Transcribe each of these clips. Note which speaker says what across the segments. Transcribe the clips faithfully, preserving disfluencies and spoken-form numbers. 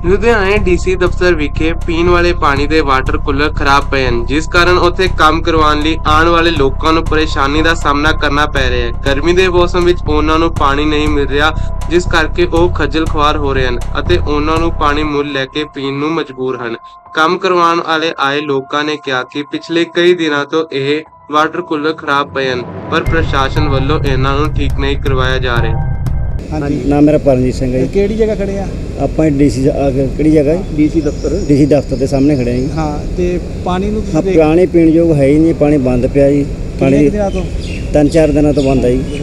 Speaker 1: ਲੁਧਿਆਣੇ ਡੀਸੀ ਦਫ਼ਤਰ ਵਿਖੇ ਪੀਣ ਵਾਲੇ ਪਾਣੀ ਦੇ ਵਾਟਰ ਕੂਲਰ ਖਰਾਬ ਪਏ ਹਨ, ਜਿਸ ਕਾਰਨ ਉੱਥੇ ਕੰਮ ਕਰਵਾਉਣ ਲਈ ਆਉਣ ਵਾਲੇ ਲੋਕਾਂ ਨੂੰ ਪਰੇਸ਼ਾਨੀ ਦਾ ਸਾਹਮਣਾ ਕਰਨਾ ਪੈ ਰਿਹਾ ਹੈ। ਗਰਮੀ ਦੇ ਮੌਸਮ ਵਿੱਚ ਉਹਨਾਂ ਨੂੰ ਪਾਣੀ ਨਹੀਂ ਮਿਲ ਰਿਹਾ, ਜਿਸ ਕਰਕੇ ਉਹ ਖੱਜਲ ਖੁਆਰ ਹੋ ਰਹੇ ਹਨ ਅਤੇ ਉਹਨਾਂ ਨੂੰ ਪਾਣੀ ਮੁੱਲ ਲੈ ਕੇ ਪੀਣ ਨੂੰ ਮਜਬੂਰ ਹਨ। ਕੰਮ ਕਰਵਾਉਣ ਵਾਲੇ ਆਏ ਲੋਕਾਂ ਨੇ ਕਿਹਾ ਕਿ ਪਿਛਲੇ ਕਈ ਦਿਨਾਂ ਤੋਂ ਇਹ ਵਾਟਰ ਕੂਲਰ ਖਰਾਬ ਪਏ ਹਨ, ਪਰ ਪ੍ਰਸ਼ਾਸਨ ਵੱਲੋਂ ਇਹਨਾਂ ਨੂੰ ਠੀਕ ਨਹੀਂ ਕਰਵਾਇਆ ਜਾ ਰਿਹਾ।
Speaker 2: ਹਾਂਜੀ,
Speaker 3: ਨਾਮ ਮੇਰਾ ਪਰਮਜੀਤ ਸਿੰਘ ਹੈ ਜੀ।
Speaker 2: ਕਿਹੜੀ ਜਗ੍ਹਾ ਖੜੇ ਆ?
Speaker 3: ਆਪਾਂ ਡੀਸੀ ਕਿਹੜੀ ਜਗ੍ਹਾ ਹੈ?
Speaker 2: ਡੀਸੀ ਦਫ਼ਤਰ।
Speaker 3: ਡੀਸੀ ਦਫ਼ਤਰ ਦੇ ਸਾਹਮਣੇ ਖੜੇ ਆ ਜੀ।
Speaker 2: ਹਾਂ, ਤੇ ਪਾਣੀ ਨੂੰ
Speaker 3: ਹਾਂ,
Speaker 2: ਤੁਸੀਂ
Speaker 3: ਪਾਣੀ ਪੀਣ ਯੋਗ ਹੈ ਹੀ ਨਹੀਂ, ਪਾਣੀ ਬੰਦ ਪਿਆ ਜੀ।
Speaker 2: ਕਿੰਨੇ ਕੁ ਦਿਨਾਂ ਤੋਂ?
Speaker 3: ਤਿੰਨ ਚਾਰ ਦਿਨਾਂ ਤੋਂ ਬੰਦ ਹੈ ਜੀ।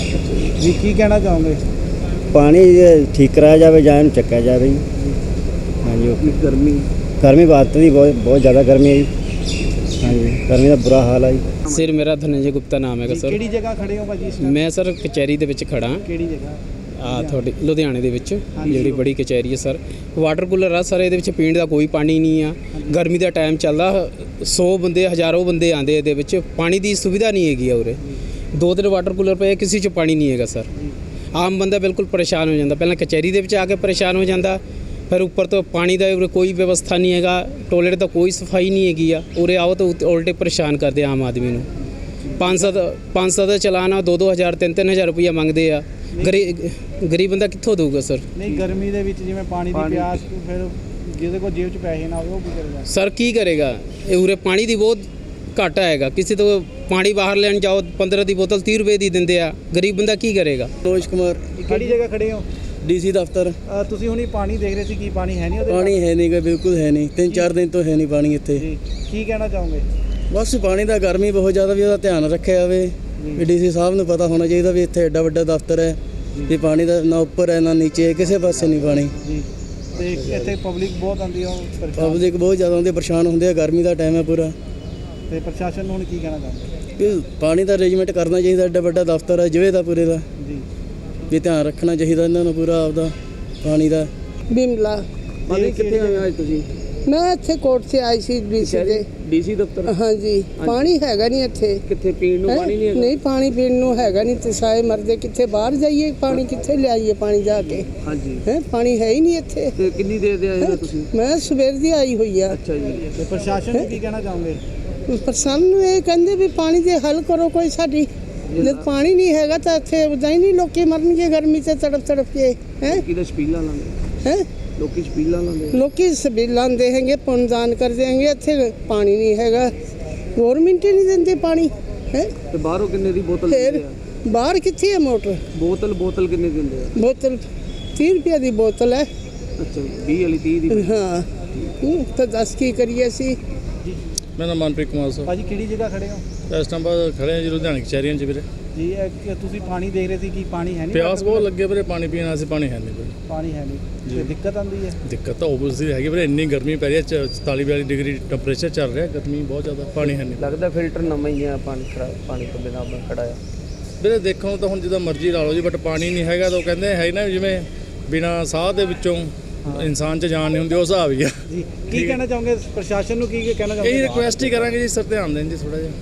Speaker 2: ਜੀ ਕੀ ਕਹਿਣਾ ਚਾਹੋਗੇ?
Speaker 3: ਪਾਣੀ ਠੀਕ ਕਰਾਇਆ ਜਾਵੇ ਜਾਂ ਇਹਨੂੰ ਚੱਕਿਆ ਜਾਵੇ ਜੀ। ਹਾਂਜੀ, ਓਕੇ।
Speaker 2: ਗਰਮੀ
Speaker 3: ਗਰਮੀ ਬਾਤ ਦੀ ਬਹੁਤ ਬਹੁਤ ਜ਼ਿਆਦਾ ਗਰਮੀ ਹੈ ਜੀ। ਹਾਂਜੀ, ਗਰਮੀ ਦਾ ਬੁਰਾ ਹਾਲ ਹੈ ਜੀ।
Speaker 4: ਸਰ ਮੇਰਾ ਧਨੰਜੇ ਗੁਪਤਾ ਨਾਮ ਹੈਗਾ ਸਰ।
Speaker 2: ਕਿਹੜੀ ਜਗ੍ਹਾ ਖੜੇ ਹੋ ਭਾਜੀ ਇਸ time?
Speaker 4: ਮੈਂ ਸਰ ਕਚਹਿਰੀ ਦੇ ਵਿੱਚ ਖੜਾ।
Speaker 2: ਕਿਹੜੀ ਜਗ੍ਹਾ?
Speaker 4: ਆ ਤੁਹਾਡੀ ਲੁਧਿਆਣੇ ਦੇ ਵਿੱਚ ਜਿਹੜੀ ਬੜੀ ਕਚਹਿਰੀ ਹੈ ਸਰ। ਵਾਟਰ ਕੂਲਰ ਆ ਸਰ, ਇਹਦੇ ਵਿੱਚ ਪੀਣ ਦਾ ਕੋਈ ਪਾਣੀ ਨਹੀਂ ਆ। ਗਰਮੀ ਦਾ ਟਾਈਮ ਚੱਲਦਾ, ਸੌ ਬੰਦੇ ਹਜ਼ਾਰੋਂ ਬੰਦੇ ਆਉਂਦੇ ਇਹਦੇ ਵਿੱਚ, ਪਾਣੀ ਦੀ ਸੁਵਿਧਾ ਨਹੀਂ ਹੈਗੀ ਆ ਉਰੇ। ਦੋ ਤਿੰਨ ਵਾਟਰ ਕੂਲਰ ਪਏ, ਕਿਸੇ 'ਚ ਪਾਣੀ ਨਹੀਂ ਹੈਗਾ ਸਰ। ਆਮ ਬੰਦਾ ਬਿਲਕੁਲ ਪਰੇਸ਼ਾਨ ਹੋ ਜਾਂਦਾ, ਪਹਿਲਾਂ ਕਚਹਿਰੀ ਦੇ ਵਿੱਚ ਆ ਕੇ ਪਰੇਸ਼ਾਨ ਹੋ ਜਾਂਦਾ, ਫਿਰ ਉੱਪਰ ਤੋਂ ਪਾਣੀ ਦਾ ਉਰੇ ਕੋਈ ਵਿਵਸਥਾ ਨਹੀਂ ਹੈਗਾ, ਟੋਇਲਟ ਦਾ ਕੋਈ ਸਫਾਈ ਨਹੀਂ ਹੈਗੀ ਆ। ਉਰੇ ਆਓ ਤਾਂ ਉਲਟੇ ਪਰੇਸ਼ਾਨ ਕਰਦੇ ਆਮ ਆਦਮੀ ਨੂੰ। ਪੰਜ ਸੱਤ ਪੰਜ ਸੱਤ ਦਾ ਚਲਾਨ ਦੋ ਦੋ ਹਜ਼ਾਰ ਤਿੰਨ ਤਿੰਨ ਹਜ਼ਾਰ ਰੁਪਈਆ ਮੰਗਦੇ ਆ। ਗਰੀ ਗਰੀਬ ਬੰਦਾ ਕਿੱਥੋਂ ਦੇਊਗਾ ਸਰ?
Speaker 2: ਨਹੀਂ, ਗਰਮੀ ਦੇ ਵਿੱਚ ਜਿਵੇਂ ਪਾਣੀ ਦੀ ਪਿਆਸ, ਫਿਰ ਜਿਹਦੇ ਕੋਲ ਜੇਬ 'ਚ ਪੈਸੇ ਨਾ ਹੋਵੇ ਉਹ ਕੀ ਕਰੇਗਾ?
Speaker 4: ਸਰ ਕੀ ਕਰੇਗਾ? ਇਹ ਉਰੇ ਪਾਣੀ ਦੀ ਬਹੁਤ ਘਾਟਾ ਹੈਗਾ। ਕਿਸੇ ਤੋਂ ਪਾਣੀ ਬਾਹਰ ਲੈਣ ਜਾਓ, ਪੰਦਰਾਂ ਦੀ ਬੋਤਲ ਤੀਹ ਰੁਪਏ ਦੀ ਦਿੰਦੇ ਆ। ਗਰੀਬ ਬੰਦਾ ਕੀ ਕਰੇਗਾ?
Speaker 3: ਰੋਜ ਕੁਮਾਰ,
Speaker 2: ਕਿਹੜੀ ਜਗ੍ਹਾ ਖੜੇ ਹੋ?
Speaker 3: ਡੀਸੀ ਦਫ਼ਤਰ।
Speaker 2: ਅ, ਤੁਸੀਂ ਹੁਣੀ ਪਾਣੀ ਦੇਖ ਰਹੇ ਸੀ, ਕੀ ਪਾਣੀ ਹੈ ਨਹੀਂ ਉਹਦੇ?
Speaker 3: ਪਾਣੀ ਹੈ ਨਹੀਂ ਗਾ, ਬਿਲਕੁਲ ਹੈ ਨਹੀਂ। ਤਿੰਨ ਚਾਰ ਦਿਨ ਤੋਂ ਹੈ ਨਹੀਂ ਪਾਣੀ ਇੱਥੇ।
Speaker 2: ਜੀ, ਕੀ ਕਹਿਣਾ ਚਾਹੋਗੇ?
Speaker 3: ਬਸ ਪਾਣੀ ਦਾ ਗਰਮੀ ਬਹੁਤ ਜ਼ਿਆਦਾ, ਵੀ ਉਹਦਾ ਧਿਆਨ ਰੱਖਿਆ ਜਾਵੇ। ਵੀ ਡੀਸੀ ਸਾਹਿਬ ਨੂੰ ਪਤਾ ਹੋਣਾ ਚਾਹੀਦਾ ਵੀ ਇੱਥੇ ਐਡਾ ਵੱਡਾ ਦਫ਼ਤਰ ਹੈ, ਵੀ ਪਾਣੀ ਦਾ ਨਾ ਉੱਪਰ ਹੈ ਨਾ ਨੀਚੇ ਹੈ, ਕਿਸੇ ਪਾਸੇ ਨਹੀਂ ਪਾਣੀ।
Speaker 2: ਜੀ, ਤੇ ਇੱਥੇ ਪਬਲਿਕ ਬਹੁਤ ਆਉਂਦੀ ਆ, ਉਹ ਪਰੇਸ਼ਾਨ।
Speaker 3: ਪਬਲਿਕ ਬਹੁਤ ਜ਼ਿਆਦਾ ਆਉਂਦੀ, ਪਰੇਸ਼ਾਨ ਹੁੰਦੇ ਆ। ਗਰਮੀ ਦਾ ਟਾਈਮ ਹੈ ਪੂਰਾ।
Speaker 2: ਤੇ ਪ੍ਰਸ਼ਾਸਨ ਨੂੰ ਹੁਣ ਕੀ ਕਹਿਣਾ ਚਾਹੁੰਦੇ?
Speaker 3: ਵੀ ਪਾਣੀ ਦਾ ਅਰੇਂਜਮੈਂਟ ਕਰਨਾ ਚਾਹੀਦਾ, ਐਡਾ ਵੱਡਾ ਦਫ਼ਤਰ ਹੈ ਜਿਵੇਂ ਦਾ ਪੂਰੇ ਦਾ,
Speaker 2: ਜੀ,
Speaker 3: ਵੀ ਧਿਆਨ ਰੱਖਣਾ ਚਾਹੀਦਾ ਇਹਨਾਂ ਨੂੰ ਪੂਰਾ ਆਪਦਾ ਪਾਣੀ ਦਾ।
Speaker 5: ਬਿਮਲਾ।
Speaker 2: ਪਾਣੀ ਕਿੱਥੇ ਆਏ ਹੋ ਅੱਜ ਤੁਸੀਂ?
Speaker 5: ਮੈਂ ਇੱਥੇ ਕੋਰਟ 'ਚ ਆਈ ਸੀ ਡੀਸੀ ਦੇ।
Speaker 2: ਡੀਸੀ ਦਫ਼ਤਰ।
Speaker 5: ਹਾਂਜੀ, ਪਾਣੀ ਹੈਗਾ ਨਹੀਂ ਇੱਥੇ।
Speaker 2: ਕਿੱਥੇ ਪੀਣ ਨੂੰ
Speaker 5: ਹੈਂ?
Speaker 2: ਪਾਣੀ ਨਹੀਂ ਹੈਗਾ?
Speaker 5: ਨਹੀਂ, ਪਾਣੀ ਪੀਣ ਨੂੰ ਹੈਗਾ ਨਹੀਂ ਤੇ ਸਾਏ ਮਰਦੇ। ਕਿੱਥੇ ਬਾਹਰ ਜਾਈਏ? ਪਾਣੀ ਕਿੱਥੇ ਲਿਆਈਏ? ਪਾਣੀ ਜਾ ਕੇ
Speaker 2: ਹਾਂਜੀ,
Speaker 5: ਹੈ, ਪਾਣੀ ਹੈ ਹੀ ਨਹੀਂ ਇੱਥੇ।
Speaker 2: ਤੇ ਕਿੰਨੀ ਦੇਰ ਦੇ ਆਏ ਹੋ ਤੁਸੀਂ?
Speaker 5: ਮੈਂ ਸਵੇਰ ਦੀ ਆਈ ਹੋਈ ਆ।
Speaker 2: ਅੱਛਾ ਜੀ, ਤੇ ਪ੍ਰਸ਼ਾਸਨ ਨੂੰ ਕੀ ਕਹਿਣਾ ਚਾਹੋਗੇ?
Speaker 5: ਪ੍ਰਸੰਨ ਨੂੰ ਇਹ ਕਹਿੰਦੇ ਵੀ ਪਾਣੀ ਦੇ ਹੱਲ ਕਰੋ ਕੋਈ ਸਾਡੀ। ਜਦ ਪਾਣੀ ਨਹੀਂ ਹੈਗਾ ਤਾਂ ਇੱਥੇ ਉਦਾਂ ਹੀ ਨਹੀਂ ਲੋਕੀ ਮਰਨਗੇ ਗਰਮੀ 'ਚ ਤੜਫ ਤੜਫ ਕੇ। ਹੈ
Speaker 2: ਕਿਹਦਾ ਸਪੀਲਾਂ ਲਾਉਂਦੇ?
Speaker 5: ਹੈ
Speaker 2: ਲੋਕੀ ਸਪੀਲਾਂ ਲਾਉਂਦੇ?
Speaker 5: ਲੋਕੀ ਸਬੀਲਾਂ ਦੇ ਹੈਗੇ, ਪੁੰਨਦਾਨ ਕਰਦੇ ਹੈਗੇ। ਇੱਥੇ ਪਾਣੀ ਨਹੀਂ ਹੈਗਾ, ਗੌਰਮਿੰਟ ਹੀ ਨਹੀਂ ਦਿੰਦੀ ਪਾਣੀ। ਹੈ
Speaker 2: ਤੇ ਬਾਹਰੋਂ ਕਿੰਨੇ ਦੀ ਬੋਤਲ
Speaker 5: ਫਿਰ
Speaker 2: ਦਿੰਦੇ ਆ?
Speaker 5: ਬਾਹਰ ਕਿੱਥੇ ਹੈ ਮੋਟਰ?
Speaker 2: ਬੋਤਲ ਬੋਤਲ ਕਿੰਨੇ ਦੀ ਦਿੰਦੇ ਆ?
Speaker 5: ਬੋਤਲ ਤੀਹ ਰੁਪਏ ਦੀ ਬੋਤਲ ਹੈ।
Speaker 2: ਅੱਛਾ, ਵੀਹ ਵਾਲੀ ਤੀਹ ਦੀ?
Speaker 5: ਹਾਂ, ਹੂੰ, ਤਾਂ ਦੱਸ ਕੀ ਕਰੀਏ ਅਸੀਂ?
Speaker 6: ਮੇਰਾ ਨਾਮ ਮਨਪ੍ਰੀਤ ਕੁਮਾਰ ਸਰ।
Speaker 2: ਭਾਜੀ ਕਿਹੜੀ ਜਗ੍ਹਾ ਖੜੇ ਹੋ?
Speaker 6: ਇਸ ਟਾਈਮ ਬਾਅਦ ਖੜੇ ਹਾਂ ਜੀ ਲੁਧਿਆਣੇ ਕਚਹਿਰੀਆਂ 'ਚ ਵੀਰੇ।
Speaker 2: ਜੀ, ਇਹ ਕਿ ਤੁਸੀਂ ਪਾਣੀ ਦੇਖ ਰਹੇ ਸੀ, ਕੀ ਪਾਣੀ ਹੈ ਨਹੀਂ?
Speaker 6: ਪਿਆਸ ਬਹੁਤ ਲੱਗੇ ਵੀਰੇ, ਪਾਣੀ ਪੀਣ ਵਾਸਤੇ ਪਾਣੀ ਹੈ ਨਹੀਂ ਵੀਰੇ।
Speaker 2: ਪਾਣੀ ਹੈ ਨਹੀਂ ਤੇ ਦਿੱਕਤ ਆਉਂਦੀ ਹੈ?
Speaker 6: ਦਿੱਕਤ ਤਾਂ ਓਬਵੀਅਸਲੀ ਹੈਗੀ ਵੀਰੇ, ਇੰਨੀ ਗਰਮੀ ਪੈ ਰਹੀ ਹੈ, ਚੁਤਾਲੀ ਬਿਆਲੀ ਡਿਗਰੀ ਟੈਂਪਰੇਚਰ ਚੱਲ ਰਿਹਾ, ਗਰਮੀ ਬਹੁਤ ਜ਼ਿਆਦਾ, ਪਾਣੀ ਹੈ ਨਹੀਂ
Speaker 7: ਲੱਗਦਾ ਫਿਲਟਰ ਨਵਾਂ ਹੀ ਆ, ਪਾਣੀ ਖਰਾਬ, ਪਾਣੀ ਤੋਂ ਬਿਨਾਂ ਆਪਣਾ ਖੜਾ ਆ
Speaker 6: ਵੀਰੇ। ਦੇਖਣ ਨੂੰ ਤਾਂ ਹੁਣ ਜਿੱਦਾਂ ਮਰਜ਼ੀ ਲਾ ਲਓ ਜੀ, ਬਟ ਪਾਣੀ ਨਹੀਂ ਹੈਗਾ ਤਾਂ ਉਹ ਕਹਿੰਦੇ ਹੈ ਨਾ ਜਿਵੇਂ ਬਿਨਾਂ ਸਾਹ ਦੇ ਵਿੱਚੋਂ ਇਨਸਾਨ 'ਚ ਜਾਨ ਨਹੀਂ ਹੁੰਦੀ, ਉਹ ਹਿਸਾਬ ਹੀ ਆ
Speaker 2: ਜੀ। ਕੀ ਕਹਿਣਾ ਚਾਹੋਗੇ ਪ੍ਰਸ਼ਾਸਨ ਨੂੰ? ਕੀ ਕਹਿਣਾ
Speaker 6: ਇਹੀ
Speaker 2: ਚਾਹੋਗੇ?
Speaker 6: ਰਿਕੁਐਸਟ ਹੀ ਕਰਾਂਗੇ ਜੀ, ਸਰ ਧਿਆਨ ਦੇਣ ਜੀ ਥੋੜ੍ਹਾ ਜਿਹਾ।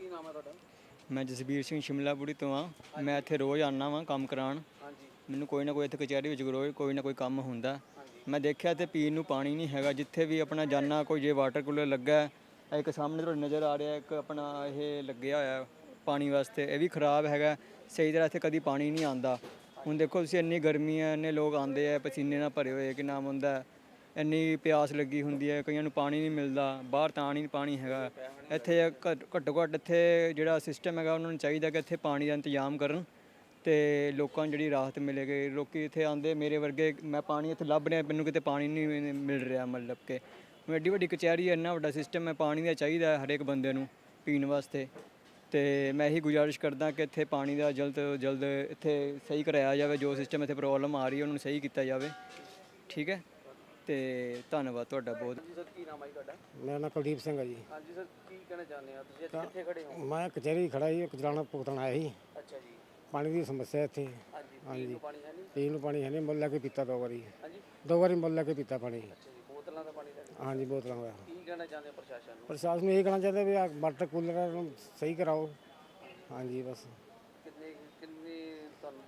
Speaker 7: ਮੈਂ ਜਸਬੀਰ ਸਿੰਘ ਸ਼ਿਮਲਾਪੁਰੀ ਤੋਂ ਆ। ਮੈਂ ਇੱਥੇ ਰੋਜ਼ ਆਉਂਦਾ ਵਾਂ ਕੰਮ ਕਰਾਉਣ। ਮੈਨੂੰ ਕੋਈ ਨਾ ਕੋਈ ਇੱਥੇ ਕਚਹਿਰੀ ਵਿੱਚ ਰੋਜ਼ ਕੋਈ ਨਾ ਕੋਈ ਕੰਮ ਹੁੰਦਾ। ਮੈਂ ਦੇਖਿਆ ਇੱਥੇ ਪੀਣ ਨੂੰ ਪਾਣੀ ਨਹੀਂ ਹੈਗਾ। ਜਿੱਥੇ ਵੀ ਆਪਣਾ ਜਾਨਾ, ਕੋਈ ਜੇ ਵਾਟਰ ਕੂਲਰ ਲੱਗਾ ਹੈ, ਇੱਕ ਸਾਹਮਣੇ ਤੁਹਾਡੇ ਨਜ਼ਰ ਆ ਰਿਹਾ, ਇੱਕ ਆਪਣਾ ਇਹ ਲੱਗਿਆ ਹੋਇਆ ਪਾਣੀ ਵਾਸਤੇ, ਇਹ ਵੀ ਖਰਾਬ ਹੈਗਾ। ਸਹੀ ਤਰ੍ਹਾਂ ਇੱਥੇ ਕਦੀ ਪਾਣੀ ਨਹੀਂ ਆਉਂਦਾ। ਹੁਣ ਦੇਖੋ ਤੁਸੀਂ, ਇੰਨੀ ਗਰਮੀ ਹੈ, ਇੰਨੇ ਲੋਕ ਆਉਂਦੇ ਆ ਪਸੀਨੇ ਨਾਲ ਭਰੇ ਹੋਏ, ਕਿ ਨਾਮ ਹੁੰਦਾ, ਇੰਨੀ ਪਿਆਸ ਲੱਗੀ ਹੁੰਦੀ ਹੈ, ਕਈਆਂ ਨੂੰ ਪਾਣੀ ਨਹੀਂ ਮਿਲਦਾ, ਬਾਹਰ ਤਾਂ ਨਹੀਂ ਪਾਣੀ ਹੈਗਾ। ਇੱਥੇ ਘੱਟੋ ਘੱਟ ਇੱਥੇ ਜਿਹੜਾ ਸਿਸਟਮ ਹੈਗਾ, ਉਹਨਾਂ ਨੂੰ ਚਾਹੀਦਾ ਕਿ ਇੱਥੇ ਪਾਣੀ ਦਾ ਇੰਤਜ਼ਾਮ ਕਰਨ ਅਤੇ ਲੋਕਾਂ ਨੂੰ ਜਿਹੜੀ ਰਾਹਤ ਮਿਲੇਗੀ। ਲੋਕ ਇੱਥੇ ਆਉਂਦੇ, ਮੇਰੇ ਵਰਗੇ, ਮੈਂ ਪਾਣੀ ਇੱਥੇ ਲੱਭ ਰਿਹਾ, ਮੈਨੂੰ ਕਿਤੇ ਪਾਣੀ ਨਹੀਂ ਮਿਲ ਰਿਹਾ। ਮਤਲਬ ਕਿ ਐਡੀ ਵੱਡੀ ਕਚਹਿਰੀ ਹੈ, ਇੰਨਾ ਵੱਡਾ ਸਿਸਟਮ ਹੈ, ਪਾਣੀ ਦਾ ਚਾਹੀਦਾ ਹਰੇਕ ਬੰਦੇ ਨੂੰ ਪੀਣ ਵਾਸਤੇ। ਅਤੇ ਮੈਂ ਇਹੀ ਗੁਜ਼ਾਰਿਸ਼ ਕਰਦਾ ਕਿ ਇੱਥੇ ਪਾਣੀ ਦਾ ਜਲਦ ਤੋਂ ਜਲਦ ਇੱਥੇ ਸਹੀ ਕਰਾਇਆ ਜਾਵੇ। ਜੋ ਸਿਸਟਮ ਇੱਥੇ ਪ੍ਰੋਬਲਮ ਆ ਰਹੀ ਹੈ, ਉਹਨੂੰ ਸਹੀ ਕੀਤਾ ਜਾਵੇ। ਠੀਕ ਹੈ, ਤੇ ਧੰਨਵਾਦ ਤੁਹਾਡਾ ਬਹੁਤ।
Speaker 2: ਸਰ, ਕੀ ਨਾਮ ਹੈ ਤੁਹਾਡਾ?
Speaker 3: ਮੇਰਾ ਨਾਮ ਕੁਲਦੀਪ ਸਿੰਘ ਹੈ ਜੀ।
Speaker 2: ਹਾਂਜੀ ਸਰ, ਕੀ ਕਹਿਣਾ ਚਾਹੁੰਦੇ ਹੋ ਤੁਸੀਂ? ਕਿੱਥੇ ਖੜੇ ਹੋ?
Speaker 3: ਮੈਂ ਕਚਹਿਰੀ ਖੜਾ ਜੀ, ਕਚਰਾਣਾ ਭੁਗਤਣ ਆਇਆ ਸੀ।
Speaker 2: ਅੱਛਾ ਜੀ।
Speaker 3: ਪਾਣੀ ਦੀ ਸਮੱਸਿਆ ਇੱਥੇ।
Speaker 2: ਹਾਂਜੀ, ਪੀਣ ਨੂੰ ਪਾਣੀ ਹੈ ਨਹੀਂ?
Speaker 3: ਪੀਣ ਨੂੰ ਪਾਣੀ ਹੈ ਨਹੀਂ, ਮੁੱਲ ਲੈ ਕੇ ਪੀਤਾ ਦੋ ਵਾਰੀ।
Speaker 2: ਹਾਂਜੀ,
Speaker 3: ਦੋ ਵਾਰੀ ਮੁੱਲ ਲੈ ਕੇ ਪੀਤਾ ਪਾਣੀ।
Speaker 2: ਅੱਛਾ ਜੀ, ਬੋਤਲਾਂ ਦਾ ਪਾਣੀ ਦਾ?
Speaker 3: ਹਾਂਜੀ, ਬੋਤਲਾਂ ਦਾ।
Speaker 2: ਕੀ ਕਹਿਣਾ ਚਾਹੁੰਦੇ ਹੋ ਪ੍ਰਸ਼ਾਸਨ ਨੂੰ?
Speaker 3: ਪ੍ਰਸ਼ਾਸਨ ਨੂੰ ਇਹ ਕਹਿਣਾ ਚਾਹੁੰਦੇ ਵੀ ਆ ਵਾਟਰ ਕੂਲਰ ਨੂੰ ਸਹੀ ਕਰਾਓ। ਹਾਂਜੀ, ਬਸ।
Speaker 2: ਕਿੰਨੇ ਕਿੰਨੀ ਤੁਹਾਨੂੰ ਦਿੱਕਤ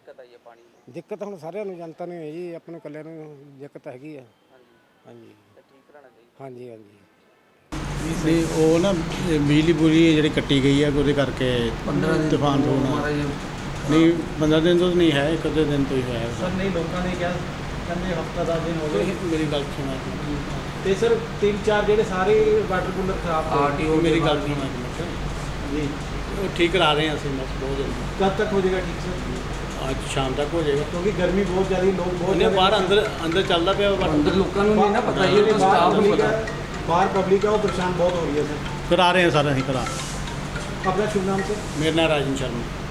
Speaker 4: ਦਿੱਕਤ ਆਈ ਹੈ ਪਾਣੀ ਦੀ?
Speaker 2: ਦਿੱਕਤ ਹੁਣ ਸਾਰਿਆਂ ਨੂੰ ਜਨਤਾ ਨੂੰ ਹੈ ਜੀ, ਆਪਣੇ ਨੂੰ ਇਕੱਲੇ ਨੂੰ ਦਿੱਕਤ ਹੈਗੀ ਆ।
Speaker 4: ਹਾਂਜੀ
Speaker 2: ਹਾਂਜੀ
Speaker 4: ਤਾਂ ਠੀਕ ਕਰਾਉਣਾ ਚਾਹੀਦਾ।
Speaker 2: ਹਾਂਜੀ ਹਾਂਜੀ
Speaker 8: ਨਹੀਂ ਉਹ ਨਾ ਇਹ ਬਿਜਲੀ ਬੁਰੀ ਜਿਹੜੀ ਕੱਟੀ ਗਈ ਹੈ ਉਹਦੇ ਕਰਕੇ ਤੂਫਾਨ ਹੋਣਾ ਨਹੀਂ ਪੰਦਰਾਂ ਦਿਨ ਤੋਂ ਨਹੀਂ ਹੈ, ਇੱਕ ਅੱਧੇ ਦਿਨ ਤੋਂ ਹੀ ਹੋਇਆ
Speaker 2: ਸਰ ਨਹੀਂ ਲੋਕਾਂ ਨੇ ਕਿਹਾ ਕਹਿੰਦੇ ਹਫਤਾ ਦਸ ਦਿਨ ਹੋ ਗਏ
Speaker 8: ਮੇਰੀ ਗੱਲ ਸੁਣਾ
Speaker 2: ਤੇ ਸਰ ਤਿੰਨ ਚਾਰ ਜਿਹੜੇ ਸਾਰੇ ਵਾਟਰ ਕੂਲਰ ਖਰਾਬ
Speaker 8: ਆਰਟੀਓ ਮੇਰੀ ਗੱਲ ਸੁਣਾ
Speaker 2: ਜੀ
Speaker 8: ਉਹ ਠੀਕ ਕਰਾ ਰਹੇ ਹਾਂ ਅਸੀਂ ਬਸ ਬਹੁਤ ਜਲਦੀ,
Speaker 2: ਕਦ ਤੱਕ ਹੋ ਜਾਏਗਾ ਠੀਕ ਸਰ?
Speaker 8: ਅੱਜ ਸ਼ਾਮ ਤੱਕ ਹੋ ਜਾਏਗਾ।
Speaker 2: ਕਿਉਂਕਿ ਗਰਮੀ ਬਹੁਤ ਜ਼ਿਆਦਾ, ਲੋਕ ਬਹੁਤ
Speaker 8: ਉਹਨੇ ਬਾਹਰ ਅੰਦਰ ਅੰਦਰ ਚੱਲਦਾ ਪਿਆ ਅੰਦਰ
Speaker 4: ਲੋਕਾਂ ਨੂੰ ਨਹੀਂ ਨਾ ਪਤਾ, ਇਹ ਤਾਂ
Speaker 2: ਬਾਹਰ
Speaker 4: ਸਟਾਫ ਨੂੰ
Speaker 2: ਪਬਲਿਕ
Speaker 4: ਪਤਾ।
Speaker 2: ਹੈ, ਬਾਹਰ ਪਬਲਿਕ ਹੈ ਉਹ ਪਰੇਸ਼ਾਨ ਬਹੁਤ ਹੋ ਰਹੀ ਹੈ ਸਰ।
Speaker 8: ਕਰਾ ਰਹੇ ਹਾਂ ਸਾਰਾ ਅਸੀਂ ਕਰਾ
Speaker 2: ਆਪਣਾ ਸ਼ੁਭ ਨਾਮ ਸਰ?
Speaker 8: ਮੇਰਾ ਨਾਮ ਰਾਜਨ ਸ਼ਰਮਾ।